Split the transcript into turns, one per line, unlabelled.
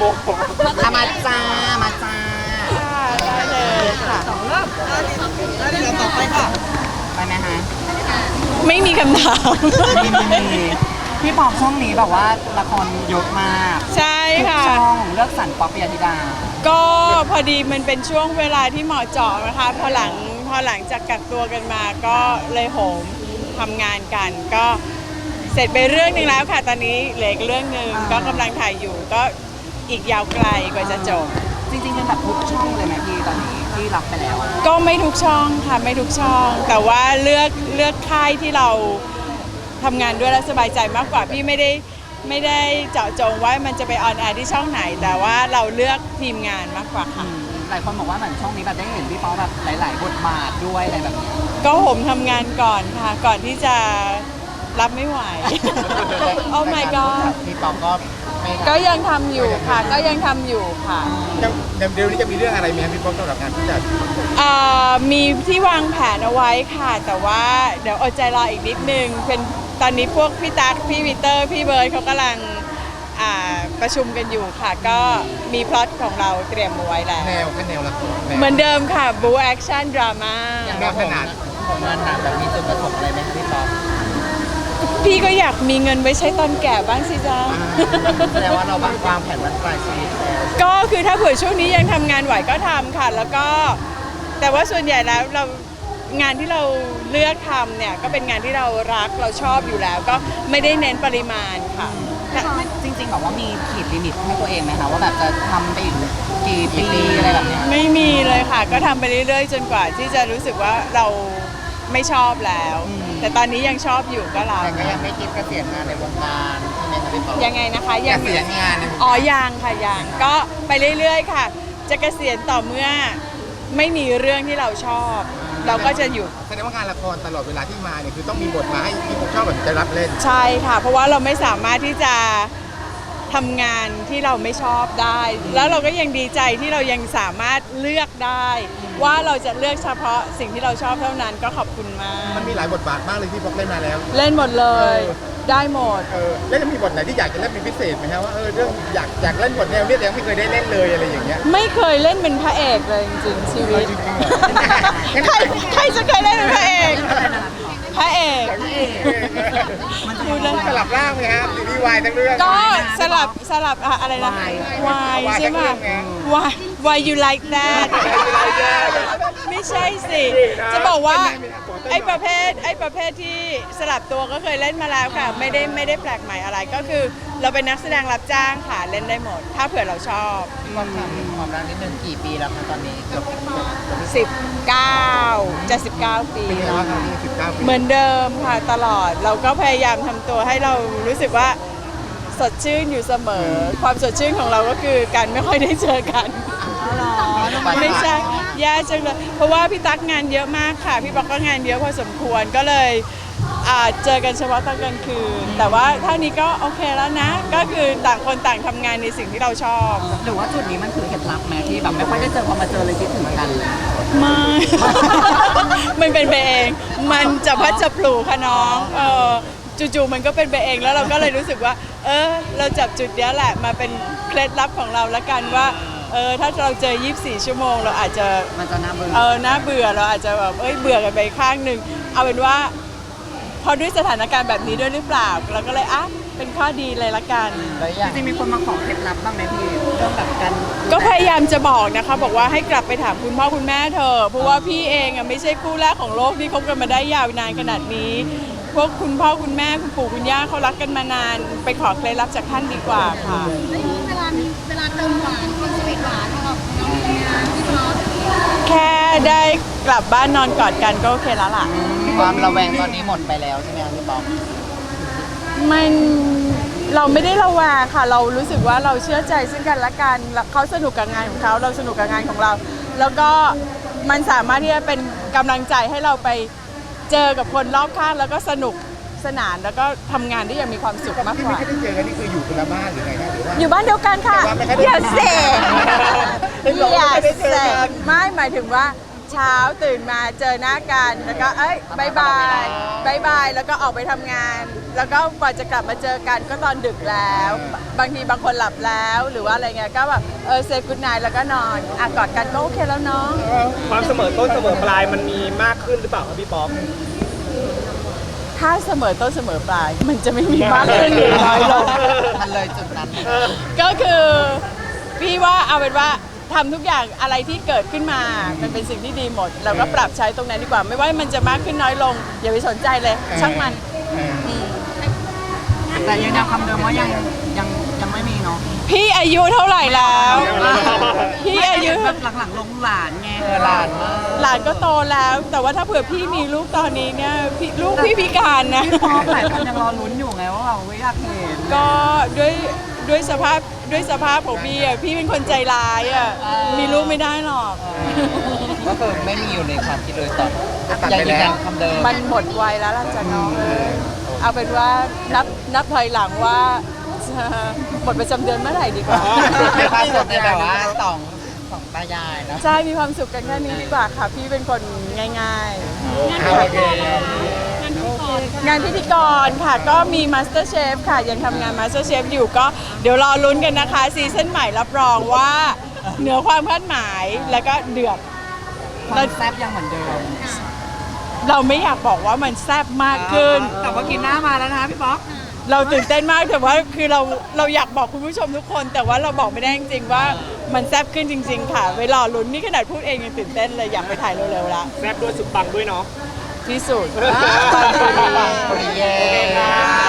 มาจ้ามาจ้า
ได้เลยค่ะ
เดี๋ยวต่อไปค่ะไปไหมฮะ
ไม่มีคำถาม
มีพี่ปอบช่องนี้แบบว่าละครเยอะมาก
ใช่ค่ะ
ช่องเลือกสรรป๊อปปิยธิดา
ก็พอดีมันเป็นช่วงเวลาที่เหมาะเจาะนะคะพอหลังจากกักตัวกันมาก็เลยโหมทำงานกันก็เสร็จไปเรื่องหนึ่งแล้วค่ะตอนนี้เหลืออีกเรื่องหนึ่งก็กำลังถ่ายอยู่ก็อีกยาวไกลกว่าจะจบ
จริงๆเป็นแบบทุกช่องเลยไหมพี่ตอนนี้ที่รับไปแล้ว
ก็ไม่ทุกช่องค่ะไม่ทุกช่องแต่ว่าเลือกค่ายที่เราทำงานด้วยแล้วสบายใจมากกว่าพี่ไม่ได้เจาะจงว่ามันจะไปออนแอร์ที่ช่องไหนแต่ว่าเราเลือกทีมงานมากกว่าค่ะ
หลายคนบอกว่าเหมือนช่องนี้แบบได้เห็นพี่ป๊อปแบบหลายๆบทบาทด้วยอะไรแบบนี้
ก็ผมทำงานก่อนค่ะก่อนที่จะรับไม่ไหวโอ้ my god
พี่ป๊อป
ก็ยังทำอยู่ค่ะก็ยังทำอยู่ค่ะ
เดี๋ยวนี้จะมีเรื่องอะไรไหมพี่ป๊อปสำหรับงานผู้จัด
มีที่วางแผนเอาไว้ค่ะแต่ว่าเดี๋ยวอดใจรออีกนิดนึงเป็นตอนนี้พวกพี่ตั๊กพี่วิเตอร์พี่เบิร์ดเขากำลังประชุมกันอยู่ค่ะก็มีพล็อตของเราเตรียมเอาไว้แล้ว
แนวละคร
เหมือนเดิมค่ะบู๊แอคชั่นดราม่า
อย่างขนาด
ของงานหนังแบบมีจุดประสงค์อะไรไหมพี่ป๊อป
พี่ก็อยากมีเงินไว้ใช้ตอนแก่บ้างสิจ๊ะ
แสดงว่าเราวางแผนวันปลายชีวิต
ก็คือถ้าเผื่อช่วงนี้ยังทำงานไหวก็ทำค่ะแล้วก็แต่ว่าส่วนใหญ่แล้วงานที่เราเลือกทำเนี่ยก็เป็นงานที่เรารักเราชอบอยู่แล้วก็ไม่ได้เน้นปริมาณค่ะ
จริงๆแบบว่ามีขีดลิมิตให้ตัวเองไหมคะว่าแบบจะทำไปอีกกี่ปีอะไรแบบนี้
ไม่มีเลยค่ะก็ทำไปเรื่อยๆจนกว่าที่จะรู้สึกว่าเราไม่ชอบแล้วแต่ตอนนี้ยังชอบอยู่ก็รับ
แต่ก็ยังไม่คิดเกษียณงานในวงการใช่ไหมคะพี่ป๊อป
ยังไงนะคะ
เกษียณงาน
ยังค่ะยังก็ไปเรื่อยๆค่ะจะเกษียณต่อเมื่อไม่มีเรื่องที่เราชอบเราก็จะหยุด
แสดงว่างานละครตลอดเวลาที่มาเนี่ยคือต้องมีบทมาให้ที่ผมชอบแบบจะรับเล่น
ใช่ค่ะเพราะว่าเราไม่สามารถที่จะทำงานที่เราไม่ชอบได้แล้วเราก็ยังดีใจที่เรายังสามารถเลือกได้ว่าเราจะเลือกเฉพาะสิ่งที่เราชอบเท่านั้นก็ขอบคุณมาก
มันมีหลายบทบาทมากเลยที่พกเล่นมาแล้ว
เล่นหมดเลยได้หมด
แล้วจะมีบทไหนที่อยากจะเล่นเป็นพิเศษไหมครับว่าเรื่องอยากเล่นบทแนวนี้แต่ยังไม่เคยได้เล่นเลยอะไรอย่างเงี้ย
ไม่เคยเล่นเป็นพระเอกเลยจริงๆชีวิตใครจะเคยเล่นเป็นพระเอก
มันจะสลับร่างไหมครับซีรีส์วายทั้งเรื่อง
ก็สลับอะไรนะวายใช่ไหมwhy you like that ไม่ใช่สิจะบอกว่าไอ้ประเภทที่สลับตัวก็เคยเล่นมาแล้วค่ะไม่ได้แปลกใหม่อะไรก็คือเราเป็นนักแสดงรับจ้างค่ะเล่นได้หมดถ้าเผื่อเราชอบ
ความรักนิดนึงกี่ปีแล้วคะตอนนี้
19จะ19 ปีเหมือนเดิมค่ะตลอดเราก็พยายามทำตัวให้เรารู้สึกว่าสดชื่นอยู่เสมอความสดชื่นของเราก็คือการไม่ค่อยได้เจอกันไม่ใช่แย่จังเลยเพราะว่าพี่ตั๊กงานเยอะมากค่ะพี่ป๊อกก็งานเยอะพอสมควรก็เลยเจอกันเฉพาะตอนกลางคืนแต่ว่าเท่านี้ก็โอเคแล้วนะก็คือต่างคนต่างทำงานในสิ่งที่เราชอบ
หรือว่าจุดนี้มันคือเคล็ดลับไหมที่แบบไม่ค่อยได้เจอพอมาเจอเลยคิดถึงกัน
ไม่มันเป็นไปเองมันจะพัดจะปลูกค่ะน้องจู่ๆมันก็เป็นไปเองแล้วเราก็เลยรู้สึกว่าเราจับจุดนี้แหละมาเป็นเคล็ดลับของเราละกันว่าถ้าเราเจอ24 ชั่วโมงเราอาจจะ
มันจะน่าเบื่อ
น่าเบื่อเราอาจจะแบบเบื่อกันไปข้างหนึ่งเอาเป็นว่าพอด้วยสถานการณ์แบบนี้ด้วยหรือเปล่าเราก็เลยเป็นข้อดีเลยละกัน
จริงๆมีคนมาขอเคล็ดลับบ้างไหมพี่เรื่องแบบกัน
ก็พยายามจะบอกนะคะบอกว่าให้กลับไปถามคุณพ่อคุณแม่เธอเพราะว่าพี่เองไม่ใช่คู่แรกของโลกที่คบกันมาได้ยาวนานขนาดนี้พวกคุณพ่อคุณแม่คุณปู่คุณย่าเขารักกันมานานไปขอเคล็ดลับจากท่านดีกว่าค่ะ
เวลาเติมหวานความสวีทหวานของน้องพี่ป๊อป
แค่ได้กลับบ้านนอนกอดกันก็โอเคแล้วล่ะ
ความระแวงตอนนี้หมดไปแล้วใช่ไหมคะพี่ป๊อป
เราไม่ได้ระแวงค่ะเรารู้สึกว่าเราเชื่อใจซึ่งกันและกันเขาสนุกกับงานของเขาเราสนุกกับงานของเราแล้วก็มันสามารถที่จะเป็นกำลังใจให้เราไปเจอกับคนรอบข้างแล้วก็สนุกสนานแล้วก็ทำงานได้อย่างมีความสุขมากกว่า
ที่ไม่ได้เจอกันนี่คืออยู่คนละบ้านหรือไงคะหรือว่า
อยู่บ้านเดียวกันค่ะอย่าเสกไม่หมายถึงว่าเช้าตื่นมาเจอหน้ากันแล้วก็บายบายแล้วก็ออกไปทำงานแล้วก็กว่าจะกลับมาเจอกันก็ตอนดึกแล้ว บางทีบางคนหลับแล้วหรือว่าอะไรเงี้ยก็แบบเซย์กู๊ดไนท์แล้วก็นอนกอดกันก็โอเคแล้วเนาะ
ความเสมอต้นเสมอปลายมันมีมากขึ้นหรือเปล่าครับพี่ป๊อก
ถ้าเสมอต้นเสมอปลายมันจะไม่มีมากขึ้นหรือน้อยลง
มันเลยจุดนั้น
ก็คือพี่ว่าเอาเป็นว่าทำทุกอย่างอะไรที่เกิดขึ้นมามันเป็นสิ่งที่ดีหมด เราก็ปรับใช้ตรงนั้นดีกว่า ไม่ว่ามันจะมากขึ้นน้อยลง อย่าไปสนใจเลย ช่างมัน
แต่ยังคำเดิมว่ายังไม่มีเนาะ
พี่อายุเท่าไหร่แล้ว พี่อายุ
แบบหลังๆลงหลานไงหลานมาก
หลานก็โตแล้ว แต่ว่าถ้าเผื่อพี่มีลูกตอนนี้เนี่ยลูกพี่พิการนะ
พี่ป๊อปหลายคนยังรอลุ้นอยู่ไงว่าเราไม่อยากเห็น
ก็ด้วยสภาพของพี่อ่ะพี่เป็นคนใจร้ายอ่ะมีลูกไม่ได้หรอก
ก็คือไม่มีอยู่ในความคิดเลยตอน
ตัดไปแล้ว
ยังคำเดิม
มันหมดวัยแล้วล่ะจ้ะน้องเอาเป็นว่านับถอยหลังว่าจะหมดประจำเดือนเมื่อไหร่ดีกว่า
ในความสุขในแบบว่าสองตายายนะ
ใช่มีความสุขกันแค่นี้ดีกว่าค่ะ พี่เป็นคนง่าย
โอเค
ๆ งานพิธีกรค่ะก็มี Master Chef ค่ะ ยังทำงาน Master Chef อยู่ก็เดี๋ยวรอลุ้นกันนะคะซีซั่นใหม่รับรองว่าเหนือความคาดหมายแล้วก็เดือด
ความแซ่บยังเหมือนเดิม
เราไม่อยากบอกว่ามันแซ่บมากขึ้น
แต่ว่ากินหน้ามาแล้วนะพี่ป๊อก
เราตื่นเต้นมากแต่ว่าคือเราอยากบอกคุณผู้ชมทุกคน แต่ว่าเราบอกไม่ได้จริงๆว่ามันแซ่บขึ้นจริง ๆ ค่ะเวลาลุ้นนี่ขนาดพูดเองยังตื่นเต้นเลยอยากไปถ่ายเร็วๆละ
แซบด้วยสุดปังด้วยเนาะ
ที่สุด
โอเค